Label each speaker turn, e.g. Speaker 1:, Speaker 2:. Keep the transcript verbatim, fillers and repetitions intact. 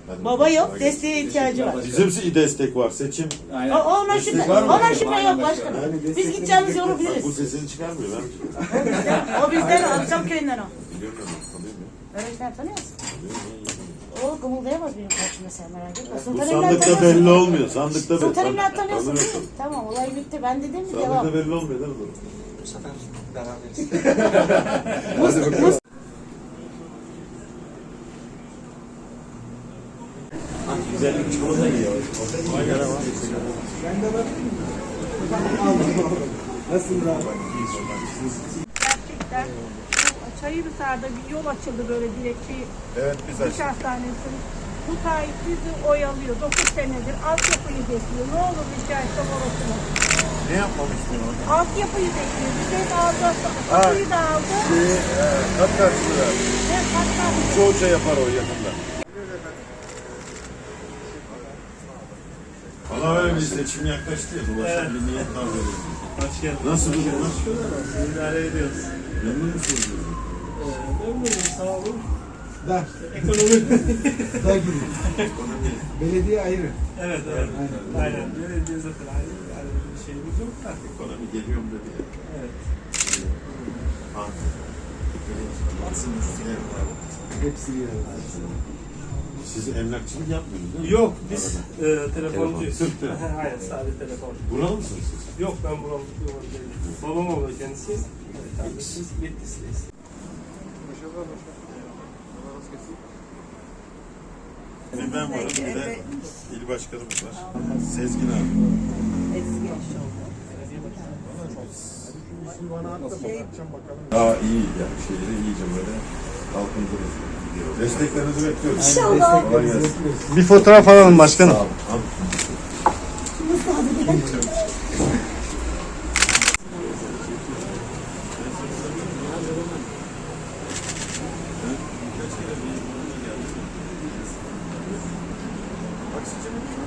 Speaker 1: Baba yok, desteğe ihtiyacı var.
Speaker 2: Bizim destek var, seçim.
Speaker 1: O, ona şüphe, ona şüphe yok başkanım. Biz gideceğimiz yolu biliriz.
Speaker 2: Bu sesini çıkarmıyor ben.
Speaker 1: O bizden, o bizden, Akçam köyünden o.
Speaker 2: Biliyorum ben, tanıyorum ya.
Speaker 1: Öğretmen tanıyorsun. O kımıldayamaz benim karşımda, sen merak etme.
Speaker 2: Bu
Speaker 1: Sultan Emlak
Speaker 2: sandıkta
Speaker 1: tanıyorsun.
Speaker 2: belli olmuyor, sandıkta belli.
Speaker 1: Sultan Emlak tanıyorsun
Speaker 2: Tanıyorum,
Speaker 1: değil mi? Tamam, olay bitti. Ben dedim mi
Speaker 2: sandıkta
Speaker 1: devam.
Speaker 2: belli olmuyor değil mi?
Speaker 3: Bu sefer beraberiz.
Speaker 2: Güzellik çikolata yiyor. Aynen ama.
Speaker 3: Ben de bakayım mı? Aldım aldım. Nasılsınız abi?
Speaker 4: Gerçekten bu Çayırhisar'da bir yol açıldı böyle dilekçe
Speaker 2: Evet biz
Speaker 4: diş
Speaker 2: açtık.
Speaker 4: hastanesi. Bu Tayyip bizi oyalıyor. dokuz senedir altyapıyı bekliyor. Ne olur rica etsem orasını.
Speaker 2: Ne yapmamı istiyorsun?
Speaker 4: Altyapıyı bekliyor. Bir şey de aldı. Kapıyı da aldı.
Speaker 2: Şey, e, kat karşılığı.
Speaker 4: Ve hatta
Speaker 2: Çoğu şey yapar o yakında. Valla öyle bir seçim yaklaştı ya. Dolaşan bir niyet var böyle.
Speaker 5: Hoş geldin.
Speaker 2: Nasıl durumlar?
Speaker 5: İdare ediyoruz.
Speaker 2: Memnun musunuz?
Speaker 5: Memnunum, sağ olun.
Speaker 3: Da.
Speaker 5: Ekonomi.
Speaker 3: Da gibi. Belediye ayrı.
Speaker 5: Evet, evet. Aynen. Aynen. Belediye zaten ayrı. Yani bir şeyimiz yok da.
Speaker 2: Ekonomi geliyorum dedi ya.
Speaker 5: Evet.
Speaker 3: Hepsi bir arada.
Speaker 2: Siz emlakçılık yapmıyorsunuz değil mi?
Speaker 5: Yok, biz e, telefoncuyuz.
Speaker 2: Telefon, Türk mü?
Speaker 5: Aynen, sadece telefon.
Speaker 2: Buralı mısınız siz?
Speaker 5: Yok, ben buram buram değilim. Babam oluyor kendisi. Evet, kardeşimiz Bitlis'teyiz.
Speaker 2: Bir ben varım, bir de il başkanımız var. Sezgin abi. Daha iyi yani şeyleri iyice böyle kalkındırırız. Desteklerinizi bekliyoruz.
Speaker 1: İnşallah.
Speaker 2: Kolay gelsin.
Speaker 6: Bir fotoğraf alalım başkanım.
Speaker 2: Sağ olun. Abi. Taksicinin